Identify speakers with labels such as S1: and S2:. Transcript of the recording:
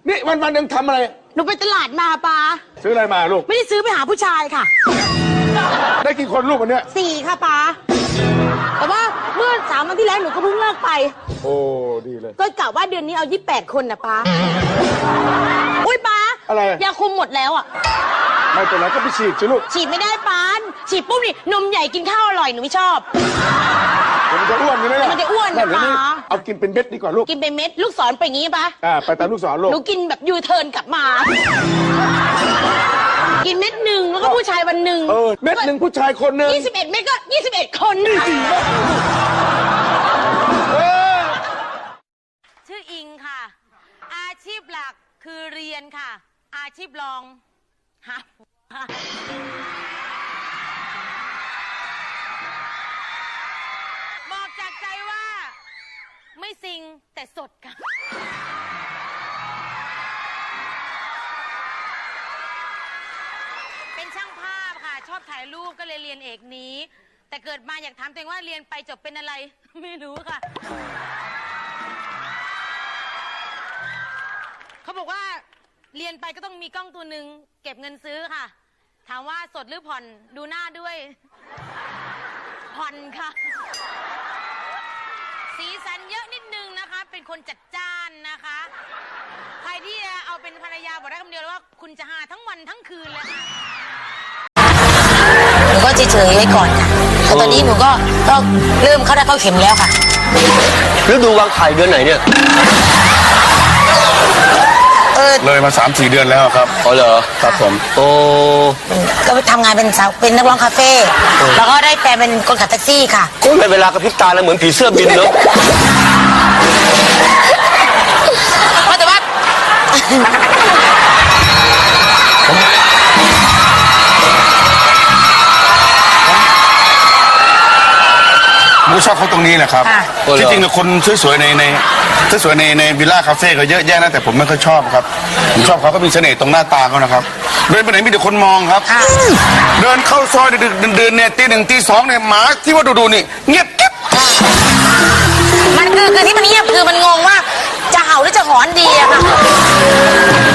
S1: นี่วันหนึ่งทำอะไร
S2: หนูไปตลาดมาป้า
S1: ซื้ออะไรมาลูก
S2: ไม่ได้ซื้อไปหาผู้ชายค่ะ
S1: ได้กี่คนลูกวันเนี้ย
S2: 4ค่ะป้าแต่ว่าเมื่อ3 วันที่แล้วหนูก็เพิ่งเลิกไป
S1: โอ้ดีเลย
S2: ก็กะว่าเดือนนี้เอา28 คนนะป้าอุ้ยป้า
S1: อะไร
S2: ยาคุมหมดแล้วอ่ะ
S1: ไม่เป็นไรก็ไปฉีดสิลูก
S2: ฉีดไม่ได้ป้าฉีดปุ๊บนี่นมใหญ่กินข้าวอร่อยหนูไม่ชอบ
S1: มันจะอ้วนใช่ไหมล่ะ
S2: มันจะอ้วนนะป้า
S1: เอากินเป็นเม็ดดีกว่าลูก
S2: กินเป็นเม็ดลูกศรไปอย่างงี้ป้า
S1: ไปตามลูกศรลูก
S2: หนูกินแบบยูเทิร์นกลับมากินเม็ดหนึ่งแล้วก็ผู้ชายวันหนึ่ง
S1: เม็ดหนึ่งผู้ชายคนหนึ่ง
S2: 21 เม็ดก็21 คนชื่ออิงค่ะอาชีพหลักคือเรียนค่ะอาชีพรองหาบอกจากใจว่าไม่ซิงแต่สดค่ะเป็นช่างภาพค่ะชอบถ่ายรูปก็เลยเรียนเอกนี้แต่เกิดมาอยากถามตัวเองว่าเรียนไปจบเป็นอะไรไม่รู้ค่ะเขาบอกว่าเรียนไปก็ต้องมีกล้องตัวหนึ่งเก็บเงินซื้อค่ะถามว่าสดหรือผ่อนดูหน้าด้วยผ่อนค่ะสีสันเยอะนิดนึงนะคะเป็นคนจัดจ้านนะคะใครที่จะเอาเป็นภรรยาบอกได้คำเดียวเลยว่าคุณจะหาทั้งวันทั้งคืนเลยค่ะหนูก็เฉยๆไว้ก่อนค่ะแต่ตอนนี้หนูก็เริ่มเข้าได้เข้าเข็มแล้วค่ะ
S3: ฤดูวางไข่เดือนไหนเนี่ย
S1: เลยมา 3-4 เดือนแล้วครับ
S3: อ๋อเหรอ
S1: ครับผม
S3: โอ้
S2: ก็ทำงานเป็นสาวเป็นนักร้องคาเฟ่แล้วก็ได้แปลเป็นคนขับแท็กซี่ค่ะ
S3: ก็ในเวลากระพริบตาแล้วเหมือนผีเสื้อบินเนาะ
S2: แต่ว่า
S1: ผมชอบเขาตรงนี้แหละครับที่จริงๆคนสวยๆในวิลล่าคาเฟ่ก็เยอะแยะนะแต่ผมไม่ค่อยชอบครับผมชอบเขาก็มีเสน่ห์ตรงหน้าตาเขานะครับเดินไปไหนมีแต่คนมองครับเดินเข้าซอยดึกๆเดินเนี่ยตี 1 ตี 2เนี่ยหมาที่ว่าดูนี่เงียบกิ๊บ
S2: มันคือที่มันเงียบคือมันงงว่าจะเห่าหรือจะหอนดีอะค่ะ